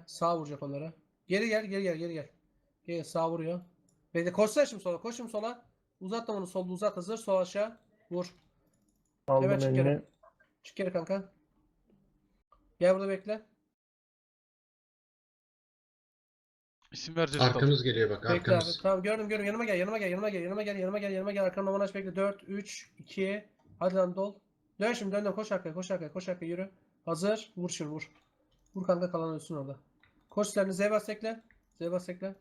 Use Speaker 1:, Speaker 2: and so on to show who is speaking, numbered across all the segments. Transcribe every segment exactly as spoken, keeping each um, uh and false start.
Speaker 1: Sağ vuracak onlara. Geri gel, geri gel, geri gel. Gel sağ vuruyor. Bekle koşsana şimdi sola. Koş şimdi sola. Uzatma onu solda uzat hazır. Sol aşağı. Vur. Hemen
Speaker 2: Aldım
Speaker 1: çık geri.
Speaker 2: elini.
Speaker 1: Çık geri kanka. Gel burada bekle.
Speaker 3: İsim vereceğiz kaldı.
Speaker 4: Arkamız geliyor bak
Speaker 1: Bekle abi.
Speaker 4: arkamız.
Speaker 1: Tamam gördüm gördüm. Yanıma gel, yanıma gel, yanıma gel, yanıma gel, yanıma gel, yanıma gel. Arkamda Monaş bekle. dört, üç, iki. Hadi lan dol. Dön şimdi dön dön. Koş arkaya, koş arkaya, koş arkaya yürü. Hazır. Vur şimdi vur. Vur kanka kalan ölsün orada. Koş silahını Z bas tekle. Z bas tekle.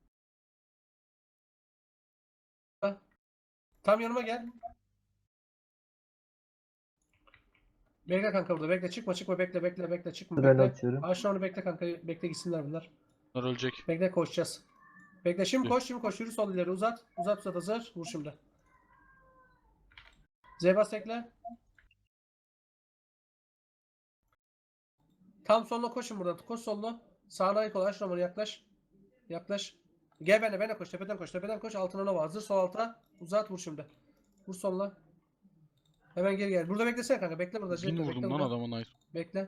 Speaker 1: Tam yanıma gel. Bekle kanka burada. Bekle çıkma çıkma bekle bekle bekle çıkma
Speaker 2: Sırayla
Speaker 1: bekle.
Speaker 2: atıyorum.
Speaker 1: Aşağı onu bekle kanka. Bekle gitsinler bunlar.
Speaker 3: Bunlar ölecek.
Speaker 1: Bekle koşacağız. Bekle şimdi koş şimdi koş. Yürü sol ileri uzat. Uzat uzat hazır. Vur şimdi. Z bas tekle. Tam soluna koşun buradan. Koş soluna. Sağına ayık ol. Aç romanı yaklaş. Yaklaş. Gel benimle benimle koş. Tepeden koş. Tepeden koş. Altına nova hazır. Sol alta. Uzat vur şimdi. Vur soluna. Hemen geri gel. Burada beklesene kanka. Bekle burada.
Speaker 3: Bin
Speaker 1: Bekle,
Speaker 3: vurdum
Speaker 1: bekle
Speaker 3: lan
Speaker 1: burada.
Speaker 3: adamın ayı.
Speaker 1: Bekle.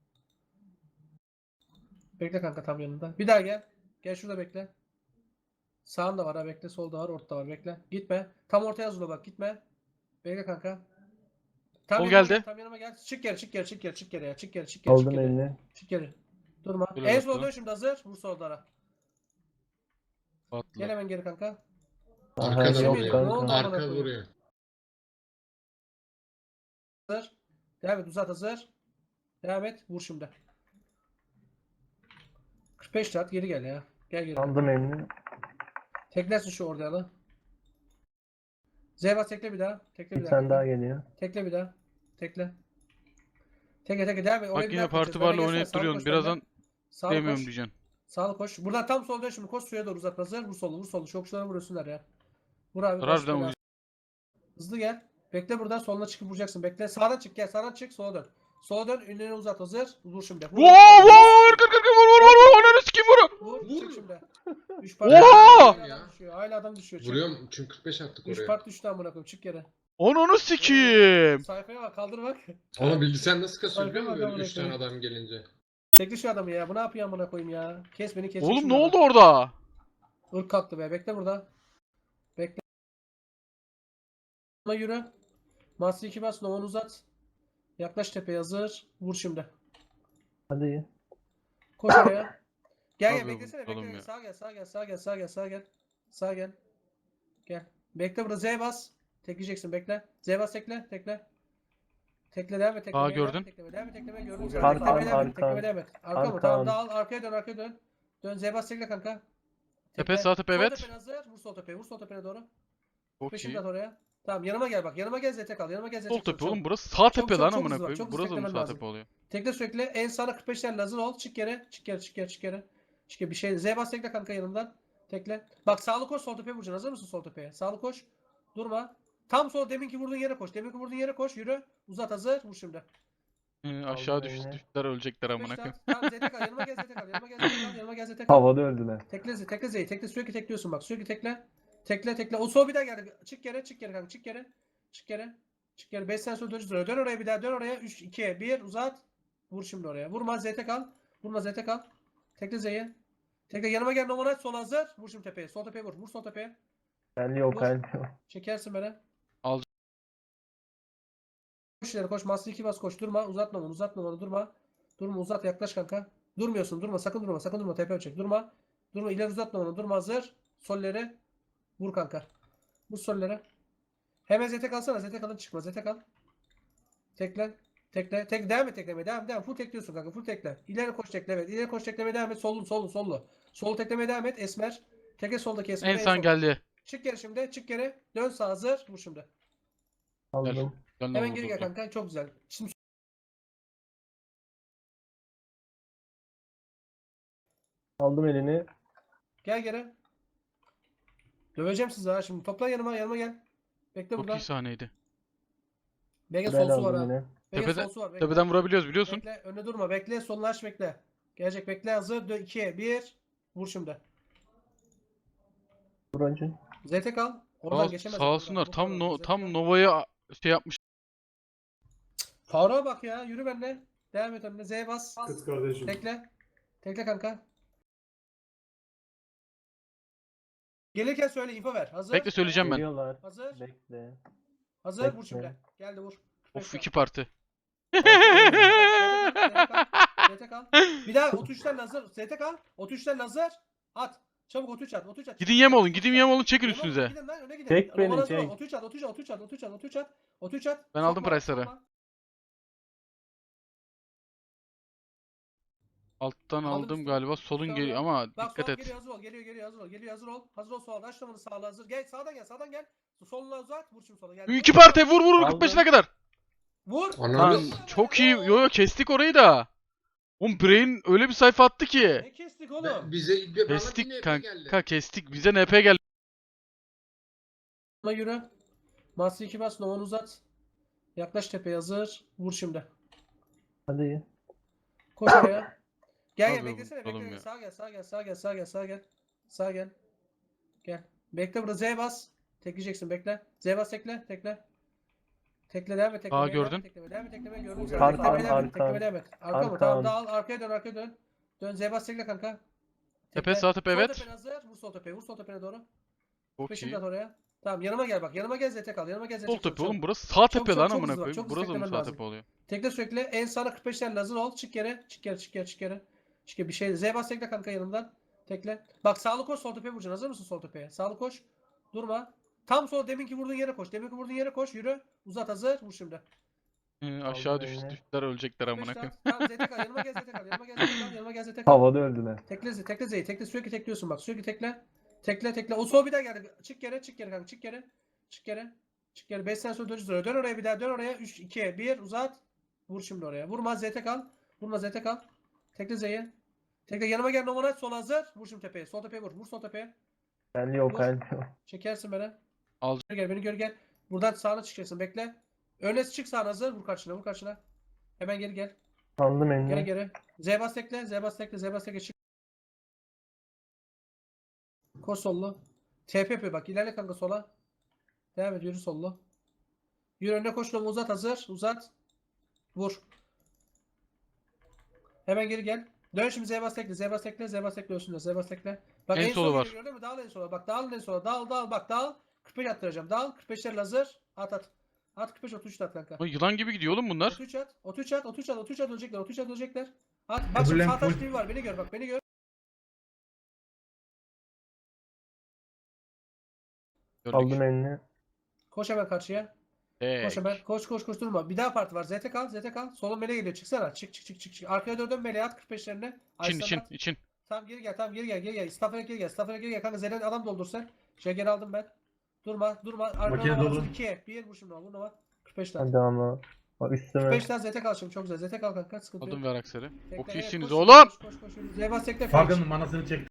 Speaker 1: Bekle kanka tam yanında. Bir daha gel. Gel şurada bekle. Sağında var ha bekle. Solda var. Ortada var. Bekle. Gitme. Tam ortaya hazırla bak. Gitme. Bekle kanka. Tam
Speaker 3: Sol
Speaker 1: yanıma
Speaker 3: geldi.
Speaker 1: Gel, tam yanıma gel. Çık geri çık geri çık geri çık geri ya. Çık geri çık geri çık
Speaker 2: Aldım
Speaker 1: geri.
Speaker 2: elini.
Speaker 1: Çık geri. Durma.
Speaker 3: Dur
Speaker 1: En
Speaker 3: bir
Speaker 1: solda
Speaker 3: dakika.
Speaker 1: şimdi hazır. Vur solda. Gel
Speaker 3: Atla.
Speaker 1: hemen geri kanka.
Speaker 4: Arkada
Speaker 2: Aha, yok
Speaker 4: vuruyor.
Speaker 1: Ne oldu
Speaker 2: kanka.
Speaker 1: amına
Speaker 4: Arka
Speaker 1: koyayım?
Speaker 4: vuruyor.
Speaker 1: Hazır. Devam et uzat hazır. Devam et. Vur şimdi. kırk beş at geri gel ya. Gel geri.
Speaker 2: Aldım elini.
Speaker 1: Teklersin şu orada lan. Zeyba tekle bir daha. Tekle bir
Speaker 2: Bir
Speaker 1: daha.
Speaker 2: tane
Speaker 1: kanka.
Speaker 2: daha geliyor.
Speaker 1: Tekle bir daha. Tekle. Tekle tekle devam et. Oraya
Speaker 3: Bak
Speaker 1: bir
Speaker 3: yine
Speaker 1: daha
Speaker 3: parti
Speaker 1: koşacağız. Öne
Speaker 3: barla
Speaker 1: gelsene,
Speaker 3: oynayıp
Speaker 1: sağlı
Speaker 3: duruyorsun.
Speaker 1: koş
Speaker 3: Birazdan
Speaker 1: önden. Sağlı
Speaker 3: demiyorum
Speaker 1: koş.
Speaker 3: diyeceksin.
Speaker 1: Sağlı koş. Buradan tam sol dön şimdi. Koş suya doğru uzat. Hazır. Vur solu. Vur solu. Şokçulara vuruyorsunlar ya. Vur abi.
Speaker 3: Harbiden
Speaker 1: baş belası.
Speaker 3: uyuyacak.
Speaker 1: Hızlı gel. Bekle buradan soluna çıkıp vuracaksın. Bekle. Sağdan çık gel. Sağdan çık. Sola dön. Sola dön. Ünlüğünü uzat. Hazır. Vur şimdi. Vur.
Speaker 3: Vur vur! Kır kır kır vur vur vur vur! Ananı sikeyim vur!
Speaker 1: Vur.
Speaker 4: Vur.
Speaker 1: Çık şimdi. üç
Speaker 3: Oha!
Speaker 1: Hala adam düşüyor. Hala adam düşüyor. Çık.
Speaker 4: Vuruyorum çünkü kırk beş attık
Speaker 1: üç
Speaker 4: oraya.
Speaker 1: part düştü amına koyayım. Çık yere.
Speaker 3: Ananı sikeyim!
Speaker 1: Sayfaya bak. Kaldır bak.
Speaker 4: Onu bilgisayar nasıl kasıyor biliyor musun
Speaker 1: Arkama
Speaker 4: böyle üç tane
Speaker 1: koyayım.
Speaker 4: adam gelince?
Speaker 1: Tekli şu adamı ya. Bu ne yapıyor amına koyayım ya. Kes beni kes.
Speaker 3: Oğlum ne oldu orada?
Speaker 1: Irk kalktı be. Bekle burada. Bekle. Ona yürü. Master iki bas. Novan uzat. Yaklaş tepeye hazır. Vur şimdi.
Speaker 2: Hadi.
Speaker 1: Koş oraya. Gel gel
Speaker 3: Abi,
Speaker 1: beklesene.
Speaker 3: bakalım
Speaker 1: Bekle.
Speaker 3: ya.
Speaker 1: Sağa gel. Sağa gel. Sağa gel. Sağa gel. Sağa gel. Sağa gel. Gel. Bekle burada. Z bas. Tekleyeceksin. Bekle. Z bas tekle. Tekle. Tekle devam et. Teklemeye,
Speaker 3: gördün.
Speaker 1: Devam et, tekleme, devam et. Tekleme gördüm. seni.
Speaker 2: Arkan,
Speaker 1: Teklemeye devam et.
Speaker 2: arkan.
Speaker 1: Teklemeye devam et. Arka mı?
Speaker 2: Arkan.
Speaker 1: Tamam dağıl. Arkaya dön. Arkaya dön. Dön. Z bas tekle kanka.
Speaker 3: Tepe, sağ tepe,
Speaker 1: Sol
Speaker 3: evet.
Speaker 1: tepene hazır. Vur sol tepeye. Vur sol tepene doğru.
Speaker 3: Çok
Speaker 1: Peşimde
Speaker 3: iyi.
Speaker 1: at oraya. Tamam yanıma gel bak. Yanıma gel Z T kal. Yanıma gel Z T
Speaker 3: Sol
Speaker 1: çok,
Speaker 3: tepe
Speaker 1: çok.
Speaker 3: oğlum burası sağ
Speaker 1: Çok,
Speaker 3: tepe
Speaker 1: çok,
Speaker 3: lan
Speaker 1: çok
Speaker 3: amına
Speaker 1: hızlı bak,
Speaker 3: koyayım.
Speaker 1: çok hızlı
Speaker 3: Burası mı
Speaker 1: teklemen
Speaker 3: sağ
Speaker 1: lazım.
Speaker 3: tepe oluyor?
Speaker 1: Tekle sürekli. En sağına kırk beşlerle hazır ol. Çık yere. Çık yere. Çık yere. Çık yere. Çık yere. Bir şey. Z bas tekle kanka yanından. Tekle. Bak sağlı koş sol tepeye vuracaksın. Hazır mısın sol tepeye? Sağlı koş. Durma. Tam sol deminki vurduğun yere koş. Deminki vurduğun yere koş. Yürü. Uzat hazır. Vur şimdi.
Speaker 3: Hı, aşağı
Speaker 2: Aldım
Speaker 3: düş,
Speaker 2: elini.
Speaker 3: düştüler ölecekler amına
Speaker 1: Beş
Speaker 3: koyayım.
Speaker 1: Tamam Z T kal. Yanıma gel Z T kal. Yanıma gel Z T kal. Yanıma gel Z T kal.
Speaker 2: Havada öldüler.
Speaker 1: Tekle Z. Tekle Z'yi. Tekle sürekli tekliyorsun bak. Sürekli tekle. Tekle tekle. O sol bir daha geldi. Çık yere. Çık yere kanka. Çık yere. Çık yere. Çık yere. beş sene sonra döneceğiz oraya. Dön oraya bir daha. Dön oraya. üç, iki, bir. Uzat. Vur şimdi oraya. Vurma Z T kal. Vurma Z T kal. Tekle Z'yi. Tekle yanıma gel. Noman aç. Sol hazır. Vur şimdi tepeye. Sol tepeye vur. Vur sol tepeye.
Speaker 2: El yok
Speaker 1: Vur.
Speaker 2: el yok.
Speaker 1: Çekersin beni.
Speaker 3: Al.
Speaker 1: Koş ileri koş. Master iki bas koş. Durma. Uzatma onu. Uzatma onu. Durma. Durma. Uzat. Yaklaş kanka. Durmuyorsun. Durma. Sakın durma. Sakın durma. Tepe çek. Durma. Durma. İleri uzatma onu. Durma. Hazır. Solleri. Vur kanka. Vur solleri. Hemen Z T kalsana. Z T kalın çıkma. Z T kal. Tekle. Tekle. Tek devam et teklemeye. Devam devam. Full tekliyorsun kanka. Full tekle. İleri koş tekle. Evet. İleri koş teklemeye devam et. Solun solun sollu. Sol teklemeye devam et. Esmer. Tekle soldaki Esmer.
Speaker 3: En son
Speaker 1: solda.
Speaker 3: geldi.
Speaker 1: Çık geri şimdi. Çık geri. Dön sağ hazır. Vur şimdi.
Speaker 2: Aldım.
Speaker 3: Ben de
Speaker 1: Hemen geri gel
Speaker 3: vurdum.
Speaker 1: kanka. Çok güzel. Şimdi
Speaker 2: Aldım elini.
Speaker 1: gel geri. Döveceğim sizi ha şimdi. Toplan yanıma. Yanıma gel. Bekle
Speaker 3: Çok
Speaker 1: burada.
Speaker 3: iyi sahneydi.
Speaker 1: Bekle
Speaker 2: Sırayla
Speaker 1: solsu var
Speaker 2: aldım
Speaker 1: ha.
Speaker 2: yine.
Speaker 1: Bekle
Speaker 3: Tepeden,
Speaker 1: solsu var. Bekle.
Speaker 3: tepeden vurabiliyoruz biliyorsun.
Speaker 1: Bekle. Önüne durma. Bekle. Solunu aç bekle. Gelecek. Bekle. Hazır. iki, bir. Vur şimdi.
Speaker 2: Vur önce.
Speaker 1: Z T kal. Oradan
Speaker 3: Sağ,
Speaker 1: geçemez.
Speaker 3: sağ
Speaker 1: oradan.
Speaker 3: olsunlar.
Speaker 1: Bu
Speaker 3: Tam
Speaker 1: kadar.
Speaker 3: no,
Speaker 1: Z T
Speaker 3: tam
Speaker 1: kal.
Speaker 3: Nova'ya şey yapmış.
Speaker 1: Faruk'a bak ya. Yürü benimle. Devam et önüne. Z bas.
Speaker 5: Kız kardeşim.
Speaker 1: Tekle. Tekle kanka. Gelirken söyle, info ver. Hazır.
Speaker 3: Bekle söyleyeceğim ben.
Speaker 2: Geliyorlar.
Speaker 1: Hazır.
Speaker 2: Bekle.
Speaker 1: Hazır. Vur
Speaker 2: Bekle.
Speaker 1: şimdi. Geldi vur.
Speaker 3: Of iki parti.
Speaker 1: Z T kal. Bir daha otuz üçten hazır. Z T kal. otuz üçten hazır. At. Çabuk otuz üç at. otuz üç at.
Speaker 3: Gidin yem olun, gidin yem olun, çekin
Speaker 1: Yem olun,
Speaker 3: üstünüze.
Speaker 1: gidin lan, öne gidin.
Speaker 2: Çek beni,
Speaker 1: Romanaz
Speaker 2: çek.
Speaker 1: var. otuz üç at, otuz üç at, otuz üç at, otuz üç at, otuz üç at, otuz üç at.
Speaker 3: Ben aldım
Speaker 1: Sokma,
Speaker 3: price'ları.
Speaker 1: sokma.
Speaker 3: Alttan
Speaker 1: Aldım
Speaker 3: aldım
Speaker 1: üstü.
Speaker 3: galiba. Solun
Speaker 1: Sonra-
Speaker 3: geliyor ama
Speaker 1: Bak
Speaker 3: dikkat
Speaker 1: sol
Speaker 3: et.
Speaker 1: geliyor, hazır ol. Geliyor, geliyor, hazır ol. Geliyor, hazır ol. Hazır ol, sol. Açlamanı sağla hazır. Gel sağdan gel, sağdan gel. Soluna uzat. Vur şimdi sola. Gel.
Speaker 3: İki parti vur vur vur
Speaker 2: Aldım.
Speaker 3: kırk beşine kadar.
Speaker 1: Vur.
Speaker 3: Lan
Speaker 4: Ananı
Speaker 3: çok iyi. Yo yo kestik orayı da. Oğlum Brain öyle bir sayfa attı ki.
Speaker 1: Ne kestik oğlum?
Speaker 4: bize bana bir
Speaker 3: Kestik
Speaker 4: N P
Speaker 3: kanka
Speaker 4: geldi.
Speaker 3: kestik. Bize N P geldi.
Speaker 1: Buna yürü. Master iki bas. Novan uzat. Yaklaş tepeye hazır. Vur şimdi.
Speaker 2: Hadi.
Speaker 1: Koş oraya. Gel
Speaker 3: Abi
Speaker 1: gel
Speaker 3: bu
Speaker 1: beklesene.
Speaker 3: oğlum
Speaker 1: Bekle.
Speaker 3: ya.
Speaker 1: Sağa gel, sağa gel, sağa gel, sağa gel, sağa gel. Sağa gel. Gel. Bekle burada Z bas. Tekleyeceksin bekle. Z bas tekle, tekle. Tekle devam et, tekle.
Speaker 3: Aa,
Speaker 1: devam et,
Speaker 3: gördün.
Speaker 1: Tekle, devam et, tekle. Gördüm seni.
Speaker 2: Arkan,
Speaker 1: Teklemeye devam et,
Speaker 2: arkan.
Speaker 1: teklemeye devam et. Arka mı?
Speaker 2: Arkan.
Speaker 1: Tamam dağıl. Arkaya dön, arkaya dön. Dön Z bas tekle kanka.
Speaker 3: Tepe, sağ tepe,
Speaker 1: Sol
Speaker 3: evet.
Speaker 1: tepene hazır. Vur sol tepeye. Vur sol tepene doğru.
Speaker 3: Çok
Speaker 1: Peşimde
Speaker 3: iyi.
Speaker 1: at oraya. Tamam yanıma gel bak. Yanıma gel Z T kal. Yanıma gel Z T
Speaker 3: Sol
Speaker 1: kal.
Speaker 3: tepe
Speaker 1: Çabuk,
Speaker 3: oğlum
Speaker 1: çabuk.
Speaker 3: burası sağ
Speaker 1: Çabuk,
Speaker 3: tepe
Speaker 1: çabuk,
Speaker 3: lan
Speaker 1: çok
Speaker 3: amına
Speaker 1: hızlı bak,
Speaker 3: koyayım.
Speaker 1: çok hızlı
Speaker 3: Burası mı
Speaker 1: teklemen
Speaker 3: sağ
Speaker 1: lazım.
Speaker 3: tepe oluyor?
Speaker 1: Tekle sürekli en sağına kırk beşlerle hazır ol. Çık yere. Çık yere. Çık yere. Çık yere. Çık yere. Bir şey. Z bas tekle kanka yanımdan. Tekle. Bak sağlı koş sol tepeye vuracaksın. Hazır mısın sol tepeye? Sağlı koş. Durma. Tam sol deminki vurduğun yere koş. Deminki vurduğun yere koş. Yürü. Uzat hazır. Vur şimdi.
Speaker 3: Hı, aşağı
Speaker 2: Aldım
Speaker 3: düştü,
Speaker 2: eline.
Speaker 3: düştüler ölecekler amına
Speaker 1: Beş
Speaker 3: koyayım.
Speaker 1: at. Tamam Z T kal. Yanıma gel Z T kal. Yanıma gel Z T kal. Yanıma gel Z T kal.
Speaker 2: Havada öldüler.
Speaker 1: Tekle Z. Tekle Z'yi. Tekle sürekli tekliyorsun bak. Sürekli tekle. Tekle tekle. O sol bir daha geldi. Çık yere. Çık yere kanka. Çık yere. Çık yere. Çık yere. beş sene sonra döneceğiz oraya. Dön oraya bir daha. Dön oraya. üç, iki, bir. Uzat. Vur şimdi oraya. Vurma Z T kal. Vurma Z T kal. Tekle Z'yi. Tekle yanıma gel. Nomanat sol hazır. Vur şimdi tepeye. Sol tepeye vur. Vur sol tepeye.
Speaker 2: Ben yok
Speaker 1: Vur.
Speaker 2: ben yok.
Speaker 1: Çekersin beni.
Speaker 3: Al.
Speaker 1: Gör gel. Beni gör gel. Buradan sağına çıkacaksın. Bekle. Öne çık sağına hazır. Vur karşına. Vur karşına. Hemen geri gel.
Speaker 2: Aldım
Speaker 1: Geri
Speaker 2: elini.
Speaker 1: geri. Z bas tekle. Z bas tekle. Z bas tekle. Çık. Koş sollu. T P yapıyor bak. İlerle kanka sola. Devam et. Yürü sollu. Yürü önüne koş. Noma uzat hazır. Uzat. Vur. Hemen geri gel. Dön şimdi Z bas tekle. Z bas tekle. Z bas tekle ölsünler. Z bas tekle. Bak
Speaker 3: En
Speaker 1: en,
Speaker 3: solu
Speaker 1: solu
Speaker 3: var.
Speaker 1: geliyor değil mi? Dağıl en sola. Bak dağıl en sola. Dağıl dağıl. Bak dağıl. kırk beş attıracağım. Dağıl. kırk beşler hazır. At at. At kırk beş otuz üç at kanka.
Speaker 3: Lan yılan gibi gidiyor oğlum bunlar.
Speaker 1: otuz üç at. otuz üç at. otuz üç at. otuz üç at ölecekler. otuz üç at ölecekler. At. Bak şimdi
Speaker 5: Kabullen
Speaker 1: sağ taş
Speaker 5: full.
Speaker 1: T V var. Beni gör bak. Beni gör.
Speaker 3: Gördük.
Speaker 2: Aldım elini.
Speaker 1: Koş hemen karşıya. Koş
Speaker 3: Tek.
Speaker 1: hemen. Koş koş koş durma. Bir daha parti var. Z T kal. Z T kal. Solun mele geliyor. Çıksana. Çık çık çık çık. çık. Arkaya doğru dön meleğe at kırk beşlerine.
Speaker 3: İçin için için.
Speaker 1: Tamam geri gel. Tamam geri gel. Geri gel. Staff'a geri gel. Staff'a geri gel. Kanka Zelen adam doldur sen. Şeker aldım ben. Durma. Durma. Arkana
Speaker 5: Makine
Speaker 1: Nova
Speaker 5: dolu.
Speaker 1: hazır. iki. bir vur şimdi. Vur Nova. kırk beş tane.
Speaker 2: Hadi ama. Bak
Speaker 1: kırk
Speaker 2: üstüme.
Speaker 1: beş tane Z T kal şimdi. Çok güzel. Z T kal kanka. Sıkıntı yok.
Speaker 3: Aldım ver akseri.
Speaker 1: Tekle,
Speaker 3: Çok
Speaker 1: evet,
Speaker 3: iyisiniz
Speaker 1: koş,
Speaker 3: oğlum.
Speaker 1: Koş koş koş. Zebas tekle.
Speaker 5: Farkın manasını çek.